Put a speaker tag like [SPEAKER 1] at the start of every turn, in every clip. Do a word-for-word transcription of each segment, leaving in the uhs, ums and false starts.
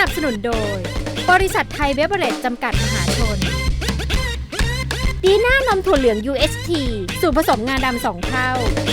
[SPEAKER 1] นับสนุนโดยบริษัทไทยเบเวอเรจจำกัดมหาชนดีน่านมถั่วเหลือง ยู เอช ที สูตรผสมงาดำสองเท่า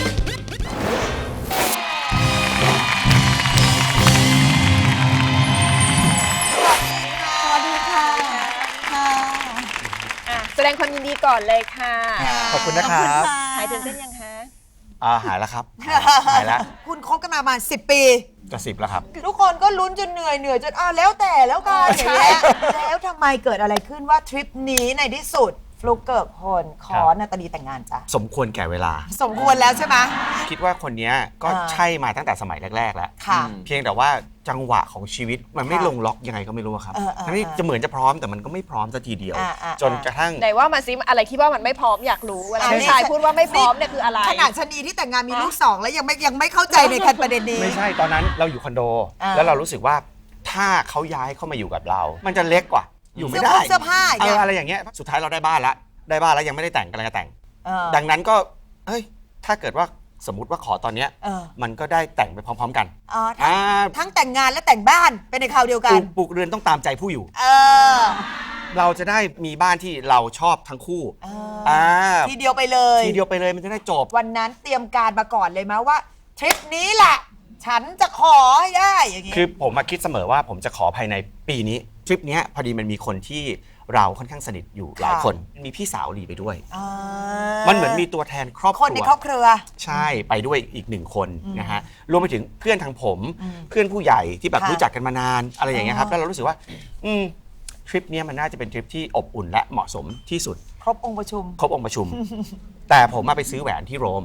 [SPEAKER 2] สวัสดีค่ะค่ะ
[SPEAKER 3] แสดงความยินดีก่อนเลยค่ะ
[SPEAKER 4] ขอบคุณนะครับ
[SPEAKER 3] หายตื่นเต้นยังคะ
[SPEAKER 4] อ่าหายแล้วครับหายแล้ว
[SPEAKER 2] คุณคบกันมาประมาณสิบปี
[SPEAKER 4] จะสิบแล้วครับ
[SPEAKER 2] ทุกคนก็ลุ้นจนเหนื่อยเหนื่อยจนอ้าวแล้วแต่แล้วกันอย่างเงี้ยแล้วทำไมเกิดอะไรขึ้นว่าทริปนี้ในที่สุดฟลุกเกิกพลขอนาตาลีแต่งงานจ้ะ
[SPEAKER 4] สมควรแก่เวลา
[SPEAKER 2] สมควรแล้วใช่ไหม
[SPEAKER 4] คิดว่าคนนี้ก็ใช่มาตั้งแต่สมัยแรกๆแล้วเพียงแต่ว่าจังหวะของชีวิตมันไม่ลงล็อกยังไงก็ไม่รู้ครับทั้งที่จะเหมือนจะพร้อมแต่มันก็ไม่พร้อมสักทีเดียวจนกระทั่ง
[SPEAKER 3] ไหนว่ามาซิอะไรที่ว่ามันไม่พร้อมอยากรู้เวลาผู้ชายพูดว่าไม่พร้อมเนี่ยคืออะไร
[SPEAKER 2] ขนาดชนีที่แต่งงานมีลูกสองแล้วยังไม่ยังไม่เข้าใจในการประเด็นนี้
[SPEAKER 4] ไม่ใช่ตอนนั้นเราอยู่คอนโดแล้วเรารู้สึกว่าถ้าเขาย้ายเข้ามาอยู่กับเรามันจะเล็กกว่าอยู่ไม่ได้
[SPEAKER 2] เสื้อผ้า
[SPEAKER 4] อะไรอย่างเงี้ยสุดท้ายเราได้บ้านแล้วได้บ้านแล้วยังไม่ได้แต่งกำลังจะแต่งดังนั้นก็เฮ้ยถ้าเกิดว่าสมมติว่าขอตอนเนี้ยมันก็ได้แต่งไปพร้อมๆกัน
[SPEAKER 2] ทั้งแต่งงานและแต่งบ้านเป็นในคราวเดียวกัน
[SPEAKER 4] ปลูกเรือนต้องตามใจผู้อยู่เราจะได้มีบ้านที่เราชอบทั้งคู่
[SPEAKER 2] ทีเดียวไปเลย
[SPEAKER 4] ทีเดียวไปเลยมันจะได้จบ
[SPEAKER 2] วันนั้นเตรียมการมาก่อนเลยมั้ยว่าทริปนี้แหละฉันจะขอให้ได้อย่างงี้
[SPEAKER 4] คือผมมาคิดเสมอว่าผมจะขอภายในปีนี้ทริปนี้พอดีมันมีคนที่เราค่อนข้างสนิทอยู่หลายคนมีพี่สาวลีไปด้วยมันเหมือนมีตัวแทนครอบครัว
[SPEAKER 2] คนในครอบครัว
[SPEAKER 4] ใช่ไปด้วยอีกหนึ่งคนนะฮะรวมไปถึงเพื่อนทางผมเพื่อนผู้ใหญ่ที่แบบรู้จักกันมานานอะไรอย่างเงี้ยครับแล้วเรารู้สึกว่าอืมทริปนี้มันน่าจะเป็นทริปที่อบอุ่นและเหมาะสมที่สุด
[SPEAKER 2] ครบองค์ประชุม
[SPEAKER 4] ครบองค์ประชุมแต่ผมมาไปซื้อแหวนที่โรม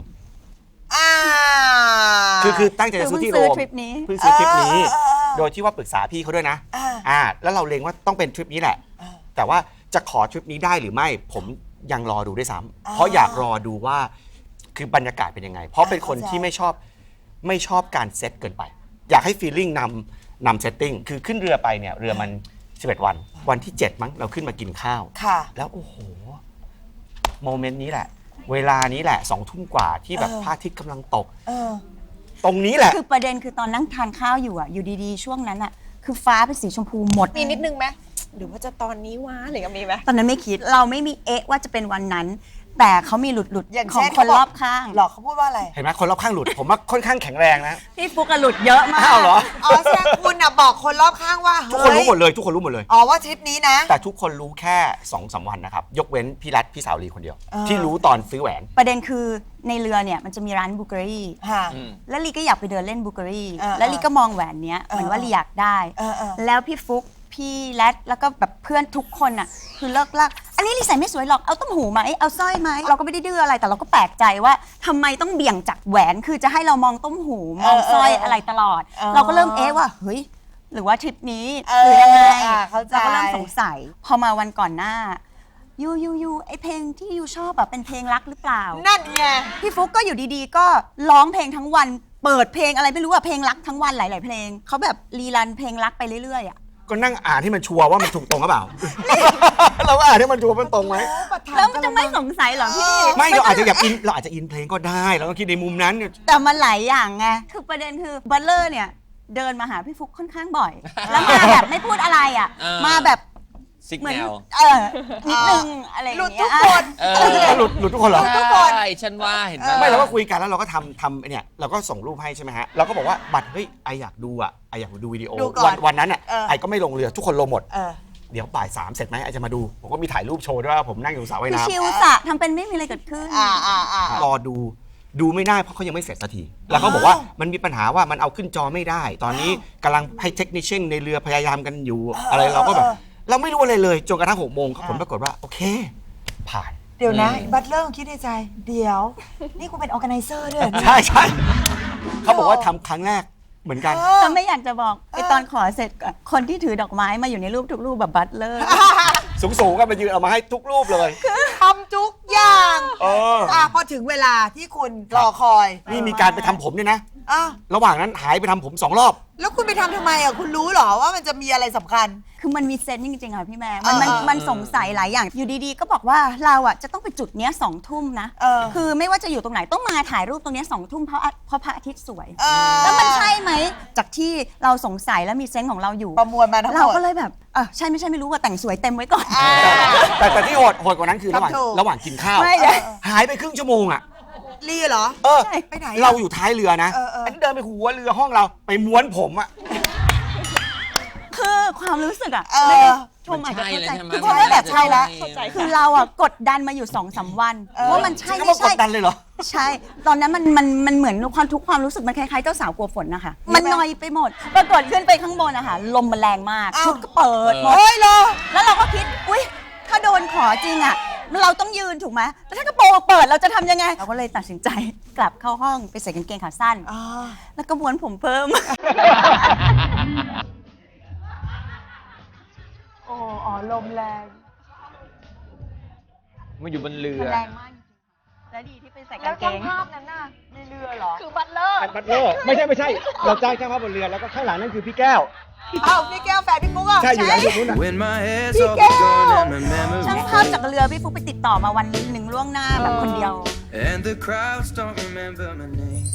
[SPEAKER 4] คือคือตั้งใจจะซื้อที่โรมเพิ่งซื้อทริปนี้โดยที่ว่าปรึกษาพี่เขาด้วยนะอ่าแล้วเราเล็งว่าต้องเป็นทริปนี้แหละแต่ว่าจะขอทริปนี้ได้หรือไม่ผมยังรอดูด้วยซ้ำเพราะอยากรอดูว่าคือบรรยากาศเป็นยังไงเพราะเป็นคนที่ไม่ชอบไม่ชอบการเซตเกินไปอยากให้ฟีลลิ่งนำนำเซตติ้งคือขึ้นเรือไปเนี่ยเรือมันสิบเอ็ดวันวันที่เจ็ดมั้งเราขึ้นมากินข้าวแล้วโอ้โหโมเมนต์นี้แหละเวลานี้แหละสองทุ่มกว่าที่แบบพระอาทิตย์กำลังตกตรงนี้แหละ
[SPEAKER 5] คือประเด็นคือตอนนั่งทานข้าวอยู่อ่ะอยู่ดีๆช่วงนั้นอ่ะคือฟ้าเป็นสีชมพูหมด
[SPEAKER 3] มีนิดนึงไหมหรือว่าจะตอนนี้วะหรือมีไหม
[SPEAKER 5] ตอนนั้นไม่คิดเราไม่มีเอ๊ะว่าจะเป็นวันนั้นแต่เขามีหลุดหลุดของคนรอบข้าง
[SPEAKER 2] หรอเขาพูดว่าอะไร
[SPEAKER 4] เห็นไหมคนรอบข้างหลุดผมว่าค่อนข้างแข็งแรงนะ
[SPEAKER 5] พี่ฟุกหลุดเยอะมาก
[SPEAKER 4] อ้าวเหรอ
[SPEAKER 2] อ๋อแสดงคุณอ่ะบอกคนรอบข้างว่า
[SPEAKER 4] ทุกคนรู้หมดเลยทุกคนรู้หมดเลย
[SPEAKER 2] อ๋อว่าทริปนี้นะ
[SPEAKER 4] แต่ทุกคนรู้แค่ สองสาม วันนะครับยกเว้นพี่รัฐพี่สาวลีคนเดียวที่รู้ตอนซื้อแหวน
[SPEAKER 5] ประเด็นคือในเรือเนี่ยมันจะมีร้านบูเกอรี่แล้วลีก็อยากไปเดินเล่นบูเกอรี่แล้วลีก็มองแหวนเนี้ยเหมือนว่าลีอยากได้แล้วพี่ฟุกพี่แรดแล้วก็แบบเพื่อนทุกคนอ่ะคือเลิกลากอันนี้ลีใส่ไม่สวยหรอกเอาต้มหูไหมเอาสร้อยไหมเราก็ไม่ได้ดื้ออะไรแต่เราก็แปลกใจว่าทำไมต้องเบี่ยงจากแหวนคือจะให้เรามองต้มหูมองสร้อยอะไรตลอดเราก็เริ่มเอ๊ะว่าเฮ้ยหรือว่าทริปนี้หรือยังไงเราก็เริ่มสงสัยพอมาวันก่อนหน้ายูยูยูไอเพลงที่ยูชอบแบบเป็นเพลงรักหรือเปล่า
[SPEAKER 2] นั่นไง
[SPEAKER 5] พี่ฟุกก็อยู่ดีๆก็ร้องเพลงทั้งวันเปิดเพลงอะไรไม่รู้อะเพลงรักทั้งวันหลายๆเพลงเขาแบบรีรันเพลงรักไปเรื่อยๆอะ
[SPEAKER 4] ก็นั่งอ่านให้มันชัวร์ว่ามันถูกตรงหรือเปล่าเราก็อ่านให้มันชัวร์มันตรงไหม
[SPEAKER 5] แล้วมันจะไม่สงสัยหรอพี่
[SPEAKER 4] ไม่เราอาจจะอยากอินเราอาจจะอินเพลงก็ได้เราต้องคิดในมุมนั้น
[SPEAKER 5] แต่มันหลายอย่างไงคือประเด็นคือบัลเลอร์เนี่ยเดินมาหาพี่ฟุกค่อนข้างบ่อยแล้วมาแบบไม่พูดอะไรอ่ะมาแบบ
[SPEAKER 6] ซิกแนว
[SPEAKER 5] เออนิดนึงอะไรอย่างเงี้ยหลุดทุก
[SPEAKER 2] คน
[SPEAKER 4] หลุดหลุดทุกคนเหรอ
[SPEAKER 6] ทุกคนใช่ฉันว่าเห็นไหม
[SPEAKER 4] ไม่เราก็คุยกันแล้วเราก็ทำทำเนี่ยเราก็ส่งรูปให้ใช่ไหมฮะเราก็บอกว่าบัตรเฮ้ยไออยากดูอ่ะไออยากดูวิดีโอวันวันนั้นอ่ะไอก็ไม่ลงเรือทุกคนลงหมดเดี๋ยวบ่ายสามเสร็จไหมไอจะมาดูผมก็มีถ่ายรูปโชว์ด้วยว่าผมนั่งอยู่สระว่ายน้ำ
[SPEAKER 5] ชิวสะทำเป็นไม่มีอะไรเกิดขึ้น
[SPEAKER 4] รอดูดูไม่ได้เพราะเขายังไม่เสร็จสักทีแล้วเขาบอกว่ามันมีปัญหาว่ามันเอาขึ้นจอไม่ได้ตอนนี้กำลังให้เทคนิคเช่นในเรือพยายามกันอยู่อะไรเราก็แบบเราไม่รู้อะไรเลยจนกระทั่งหกโมงผลปรากฏว่าโอเคผ่าน
[SPEAKER 2] เดี๋ยวนะบัตเลอร์คิดในใจเดี๋ยวนี่คุณเป็นออร์แกไนเซอร์ด้วย
[SPEAKER 4] ใช่ใช่เขาบอกว่าทำครั้งแรกเหมือนกัน
[SPEAKER 5] แต่ไม่อยากจะบอกไอตอนขอเสร็จคนที่ถือดอกไม้มาอยู่ในรูปทุกรูปแบบบัตเลอร์
[SPEAKER 4] สูงๆก็มายืนเอามาให้ทุกรูปเลย
[SPEAKER 2] ทำทุกอย่างเออพอถึงเวลาที่คุณรอคอย
[SPEAKER 4] นี่มีการไปทำผมด้วยนะระหว่างนั้นหายไปทำผมสองรอบ
[SPEAKER 2] แล้วคุณไปทำทำไมอ่ะคุณรู้เหรอว่ามันจะมีอะไรสำคัญ
[SPEAKER 5] คือมันมีเซนส์จริงๆค่ะพี่แม่มันมัน
[SPEAKER 2] เออเออ
[SPEAKER 5] มันสงสัยหลายอย่างอยู่ดีๆ ก็บอกว่าเราอ่ะจะต้องไปจุดเนี้ยสองทุ่มนะ
[SPEAKER 2] เออ
[SPEAKER 5] คือไม่ว่าจะอยู่ตรงไหนต้องมาถ่ายรูปตรงเนี้ยสองทุ่มเพราะอะเพราะพระอาทิตย์สวย
[SPEAKER 2] เออ
[SPEAKER 5] แล้วมันใช่ไหมจากที่เราสงสัยแล้วมีเซนส์ของเราอยู่
[SPEAKER 2] ประมวลมาทั้งหมด
[SPEAKER 5] เราก็เลยแบบเออใช่ไม่ใช่ไม่รู้ว่าแต่งสวยเต็มไว้ก่อน
[SPEAKER 4] แต่แต่ที่โหดโหดกว่านั้นคือระหว่าง
[SPEAKER 2] ทำถูก
[SPEAKER 4] ระหว่างกินข้าว
[SPEAKER 5] ไม่เลย
[SPEAKER 4] หายไปครึ่งชั่วโมงอ่ะ
[SPEAKER 2] รีเหรอ
[SPEAKER 4] เออ
[SPEAKER 5] ใช่
[SPEAKER 2] ไปไหนอะ
[SPEAKER 4] เราอยู่ท้ายเรือนะ
[SPEAKER 2] เออเอออั
[SPEAKER 4] นนี้เดินไปหัวเรือห้องเราไปม้วนผมอ่ะ
[SPEAKER 5] คือความรู้สึกอ่ะ
[SPEAKER 2] เออ
[SPEAKER 5] ไม่ได้ชมอาจจะ
[SPEAKER 6] ใช่
[SPEAKER 5] เข้า
[SPEAKER 6] เลย
[SPEAKER 5] ใจ
[SPEAKER 6] ใช่ไหม
[SPEAKER 5] คือเพราะว่าแบบใช่แล้ว
[SPEAKER 6] เข้าใจ
[SPEAKER 5] คือเราอ่ะกดดันมาอยู่สองสามวันว่ามันใช่
[SPEAKER 4] ก็
[SPEAKER 5] ไม่
[SPEAKER 4] มาก
[SPEAKER 5] ใช่
[SPEAKER 4] ดดันเลยเหรอ
[SPEAKER 5] ใช่ ตอนนั้นมันมันมันเหมือนความทุกข์ความรู้สึกมันคล้ายๆเจ้าสาวกลัวฝนนะคะ มันนอยไปหมด ปรากฏขึ้นไปข้างบนอะค่ะ ลมมันแรงมาก
[SPEAKER 2] อ้าว
[SPEAKER 5] ชุดก็เปิดหมด
[SPEAKER 2] เฮ้ยเหรอ
[SPEAKER 5] แล้วเราก็คิด อุ้ยถ้าโดนขอจริงอะเราต้องยืนถูกไหมแล้วถ้ากระโปรงเปิดเราจะทำยังไง เราก็เลยตัดสินใจกลับเข้าห้องไปใส่กางเกงขาสั้น
[SPEAKER 2] อ๋อ
[SPEAKER 5] แล้วก็ม้วนผมเพิ่ม
[SPEAKER 2] โอ้อ๋อลมแรง
[SPEAKER 6] มาอยู่บนเรือ
[SPEAKER 5] แรงมากจริงๆแล้วดีที่ไปใส่กางเกง
[SPEAKER 2] นั้นน่ะในเรือเหรอ
[SPEAKER 3] คือบัตเลอร์
[SPEAKER 4] บัตเลอร์ไม่ใช่ไม่ใช่ เราจ้างช่างภาพบนเรือแล้วก็ข้างหลังนั่นคือพี่แก้ว
[SPEAKER 2] อ้าวพี่แก้วแฟนพี่ปุ๊กอ่ะ
[SPEAKER 4] ใช่อยู่หลังจุดนู้นนะ
[SPEAKER 7] When my head's all gone and my
[SPEAKER 5] ช่าง
[SPEAKER 7] memories
[SPEAKER 5] ภาพจากเรือพี่ฟุกไปติดต่อมาวันหนึ่งล่วงหน้าแบบคนเดียว
[SPEAKER 7] and the crowds don't remember my name.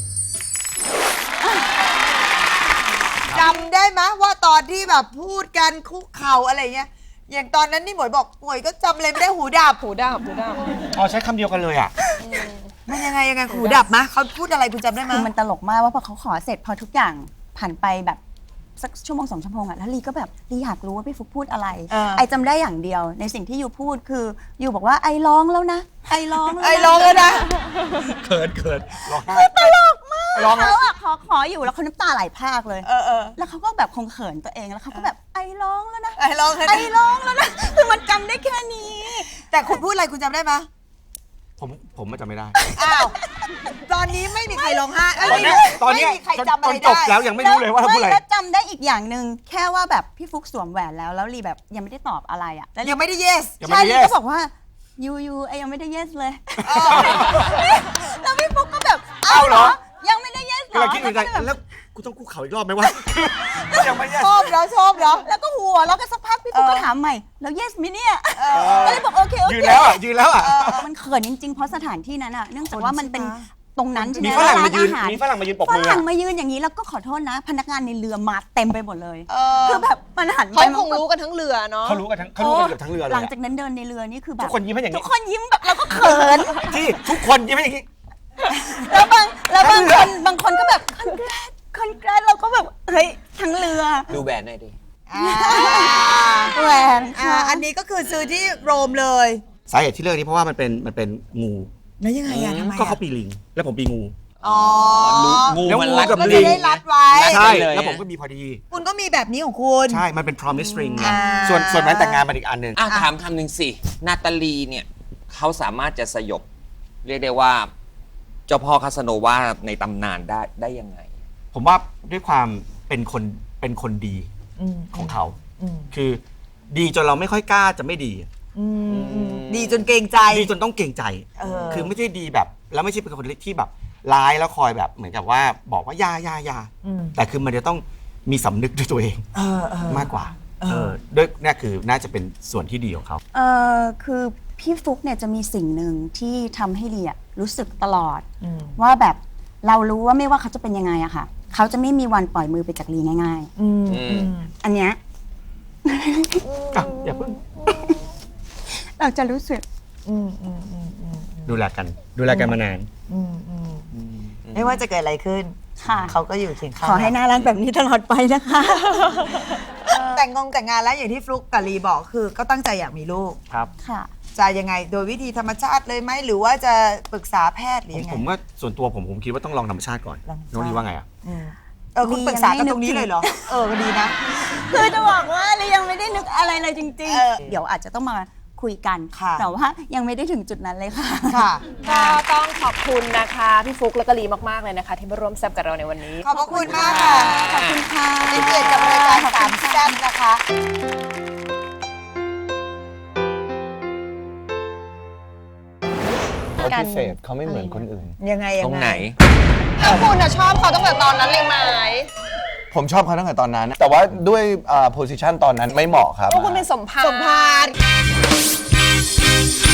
[SPEAKER 2] จำได้ไหมว่าตอนที่แบบพูดกันคุกเข่าอะไรเงี้ย อย่างตอนนั้นนี่หมวยบอกหมวยก็จำอะไรไม่ได้หูดับ
[SPEAKER 3] หูดับหูดับ
[SPEAKER 4] อ๋อใช้คำเดียวกันเลยอ่ะ
[SPEAKER 2] มันยังไงยังไงหูดับมะเขาพูดอะไรคุณจำได้ไหม
[SPEAKER 5] คือมันตลกมากว่าพอเขาขอเสร็จพอทุกอย่างผ่านไปแบบสักชั่วโมงสองชั่วโมงอะแล้วลีก็แบบลีอยากรู้ว่าพี่ฟุกพูดอะไร ไอจำได้อย่างเดียวในสิ่งที่ยูพูดคือยูบอกว่าไอร้องแล้วนะ ไอร้องแล้วนะ
[SPEAKER 2] ไอ้ร้องแล้วนะ
[SPEAKER 4] เขินเขินร้องไห้
[SPEAKER 5] ตลกมาก
[SPEAKER 4] ร้องไห้
[SPEAKER 5] เขาอะขอขออยู่แล้วเขาน้ำตาไหลพรากเลย
[SPEAKER 2] เออเออ
[SPEAKER 5] แล้วเขาก็แบบคงเขินตัวเองแล้วเขาก็แบบไอร้องแล้วนะ
[SPEAKER 2] ไอ้ร้องแล้ว
[SPEAKER 5] ไอ
[SPEAKER 2] นะ
[SPEAKER 5] ร้องแล้วนะคือมันจำได้แค่นี้
[SPEAKER 2] แต่คุณพูดอะไรคุณจำได้ไหม
[SPEAKER 4] ผมผมมันจำไม่ได้
[SPEAKER 2] อ้าว ตอนนี้ไม่มีใครร้องไห้เอ้ย
[SPEAKER 4] ตอนเนี้ยตอนเนี้ย
[SPEAKER 2] ไม่มีใคร
[SPEAKER 4] จน
[SPEAKER 2] จำอะไร
[SPEAKER 4] จนจบ
[SPEAKER 2] ได้
[SPEAKER 4] แล้วยังไม่รู้เลยว่าเราพูดอะไร
[SPEAKER 5] แล้วจำได้อีกอย่างหนึ่งแค่ว่าแบบพี่ฟุกสวมแหวนแล้วแล้วลีแบบยังไม่ได้ตอบอะไรอะแล้วลี
[SPEAKER 2] ยังไม่ได้ yes
[SPEAKER 4] ยังไม่
[SPEAKER 5] ใช่
[SPEAKER 4] ได้
[SPEAKER 5] ลี
[SPEAKER 4] yes
[SPEAKER 5] ก็บอกว่ายูยูไอยังไม่ได้ yes เลย แล้วพี่ฟุกก็แบบ
[SPEAKER 4] เอ้าเหรอ
[SPEAKER 5] ยังไม่ได้ yes เหร
[SPEAKER 4] กำลั
[SPEAKER 5] อง
[SPEAKER 4] คิดในใจ
[SPEAKER 5] แล้วก็แบบ
[SPEAKER 4] แล้วกูต้องกู้เขาอีกรอบไหมวะ ยังไม่ yes
[SPEAKER 2] ชอบแล้วชอบแล้ว
[SPEAKER 5] แล้วก็หัวแล้วก็สักพักพี่ฟุกก็ถามใหม่แล้ว yes มิเนี่ยก็เลยบอกโอเคโอเค
[SPEAKER 4] ยืนแล้วอ่ะยืนแล้วอ่ะ
[SPEAKER 5] มันเขินจริงๆ เพราะสถานที่นั้นอ่ะเนื่องจากว่ามันเป็นตรงนั้นใช่ไหม
[SPEAKER 4] มีฝรั่งมายืน
[SPEAKER 5] ร้อาหาร
[SPEAKER 4] มีฝรั่งมายืนปรบ
[SPEAKER 5] ฝ
[SPEAKER 4] มือ
[SPEAKER 5] รั่
[SPEAKER 4] อะ
[SPEAKER 5] งมายืนอย่างนี้แล้วก็ขอโทษนะ พนักงานในเรือมาเต็มไปหมดเลย
[SPEAKER 2] เออ
[SPEAKER 5] คือแบบมันหันไป
[SPEAKER 3] เขา
[SPEAKER 5] มัน
[SPEAKER 3] คงรู้กันทั้งเรือเนาะ
[SPEAKER 4] เขารู้กันทั้งเขารู้กันเกือบทั้งเรือเลย
[SPEAKER 5] หลัง
[SPEAKER 4] อะ
[SPEAKER 5] จากนั้นเดินในเรือนี่คือแบบ
[SPEAKER 4] ทุกคนยิ้มให้อย่างนี้
[SPEAKER 5] ทุกคนยิ้มแบบเราก็เขิน
[SPEAKER 4] ที่ทุกคนยิ้มให้อย่างนี้
[SPEAKER 5] แล้วบางแล้วบางคนบางคนก็แบบคอนแกรสคอนแกรสเราก็แบบเฮ้ยทั้งเรือ
[SPEAKER 6] ดูแบรนด์หน่อยดิ
[SPEAKER 2] อ่า
[SPEAKER 5] แหวน
[SPEAKER 2] อ่า
[SPEAKER 5] ค่ะ
[SPEAKER 2] อันนี้ก็คือซื้อที่โรมเลย
[SPEAKER 4] สาเหตุที่เลือกนี้เพราะว่ามันเป็นมันเป็นงู
[SPEAKER 2] แล้วยังไงอะทำไมอะ
[SPEAKER 4] ก็เขาปีลิง แล้วผมปีงู
[SPEAKER 2] อ๋อ
[SPEAKER 6] งู
[SPEAKER 4] แล้ว
[SPEAKER 6] มัน
[SPEAKER 4] งู
[SPEAKER 6] รัด
[SPEAKER 4] กับ
[SPEAKER 2] ก็
[SPEAKER 4] ลิ
[SPEAKER 2] จะ
[SPEAKER 4] ง
[SPEAKER 2] ได้รัดไว้
[SPEAKER 6] รัด
[SPEAKER 4] ใช่
[SPEAKER 6] เลย
[SPEAKER 4] แล้วผมก็มีพอดี
[SPEAKER 2] คุณก็มีแบบนี้ของคุณ
[SPEAKER 4] ใช่ มันเป็น promise ring ไง
[SPEAKER 2] อ่า
[SPEAKER 4] ส่วนส่วนแหวนแต่งงานมันอีกอันหนึ่ง
[SPEAKER 6] อ่ะถามคำหนึ่งสิ นาตาลีเนี่ยเขาสามารถจะสยบ เรียกได้ว่า เจ้าพ่อคาสโนวาในตำนานได้ได้ยังไง
[SPEAKER 4] ผมว่าด้วยความเป็นคนเป็นคนดี
[SPEAKER 2] อืม
[SPEAKER 4] ของเขา
[SPEAKER 2] อืม
[SPEAKER 4] คือดีจนเราไม่ค่อยกล้าจะไม่ดี
[SPEAKER 2] อืมอืมดีจนเกรงใจ
[SPEAKER 4] ดีจนต้องเกรงใจ
[SPEAKER 2] เออ
[SPEAKER 4] คือไม่ใช่ดีแบบ แล้วไม่ใช่เป็นคนที่แบบร้ายแล้วคอยแบบเหมือนกับว่าบอกว่าอยาอยาอยา
[SPEAKER 2] อืม
[SPEAKER 4] แต่คือมันจะต้องมีสำนึกด้วยตัวเอง
[SPEAKER 2] เออเออ
[SPEAKER 4] มากกว่า
[SPEAKER 2] เออ
[SPEAKER 4] เออด้วยนี่คือน่าจะเป็นส่วนที่ดีของเขา
[SPEAKER 5] เออคือพี่ฟุกเนี่ยจะมีสิ่งหนึ่งที่ทำให้ลีอะรู้สึกตลอด
[SPEAKER 2] อืม
[SPEAKER 5] ว่าแบบเรารู้ว่าไม่ว่าเขาจะเป็นยังไงอะค่ะ เขาจะไม่มีวันปล่อยมือไปจากลีง่าย
[SPEAKER 2] อืม
[SPEAKER 6] อืม
[SPEAKER 2] อืม
[SPEAKER 5] ๆ อันเนี้ย
[SPEAKER 4] อ่ะอย่าเพิ่ง
[SPEAKER 5] เราจะรู้สึก
[SPEAKER 2] อืมอืมอืมอืม
[SPEAKER 4] ดูแลกัน ดูแลกันมานาน
[SPEAKER 2] อืมอืมไม่ว่าจะเกิดอะไรขึ้น
[SPEAKER 5] ค่ะ
[SPEAKER 2] เขาก็อยู่เคียงข้าง
[SPEAKER 5] ขอให้น่ารักแบบนี้ตลอดไปนะคะ
[SPEAKER 2] แต่งงงแต่งงานแล้วอย่างที่ฟลุกกับลีบอกคือก็ตั้งใจอยากมีลูก
[SPEAKER 4] ครับ
[SPEAKER 5] ค่ะ
[SPEAKER 2] จะยังไงโดยวิธีธรรมชาติเลยไหมหรือว่าจะปรึกษาแพทย์หรือยังไง
[SPEAKER 4] ผมว่าส่วนตัวผมผมคิดว่าต้องลองธรรมชาติก่อน
[SPEAKER 2] ลองธรรมชาติ
[SPEAKER 4] น้องดีว่าไงอ่ะ
[SPEAKER 2] อืมเออคุณปรึกษากันตรงนี้เลยเหรอ เออดีนะ
[SPEAKER 5] คือจะบอกว่าลียังไม่ได้นึกอะไรเลยจริง
[SPEAKER 2] เออ
[SPEAKER 5] ๆ เดี๋ยวอาจจะต้องมาคุยกัน
[SPEAKER 2] ค่ะ
[SPEAKER 5] แต่ว่ายังไม่ได้ถึงจุดนั้นเลยค่ะ
[SPEAKER 2] ค่ะ
[SPEAKER 3] ก็ต้องขอบคุณนะคะ พี่ฟุกและก็ลีมากๆเลยนะคะ ที่มาร่วมแซบกับเราในวันนี้
[SPEAKER 2] ขอบพระคุณมากค่ะ
[SPEAKER 5] ขอบคุณค่ะ
[SPEAKER 2] เป็นเกียรติกับรายการสามแซ่บนะคะ
[SPEAKER 6] เขาพิเศษเขาไม่เหมือนคนอื่น
[SPEAKER 2] ยังไงยังไง
[SPEAKER 6] ตรงไหน
[SPEAKER 3] แล้วคุณอะชอบเขาตั้งแต่ตอนนั้นเลยไหม
[SPEAKER 8] ผมชอบเขาตั้งแต่ตอนนั้น แต่ว่าด้วยโพสิชันตอนนั้นไม่เหมาะครับ
[SPEAKER 3] โอ้คุณเป็นสมภาร
[SPEAKER 2] สมภาร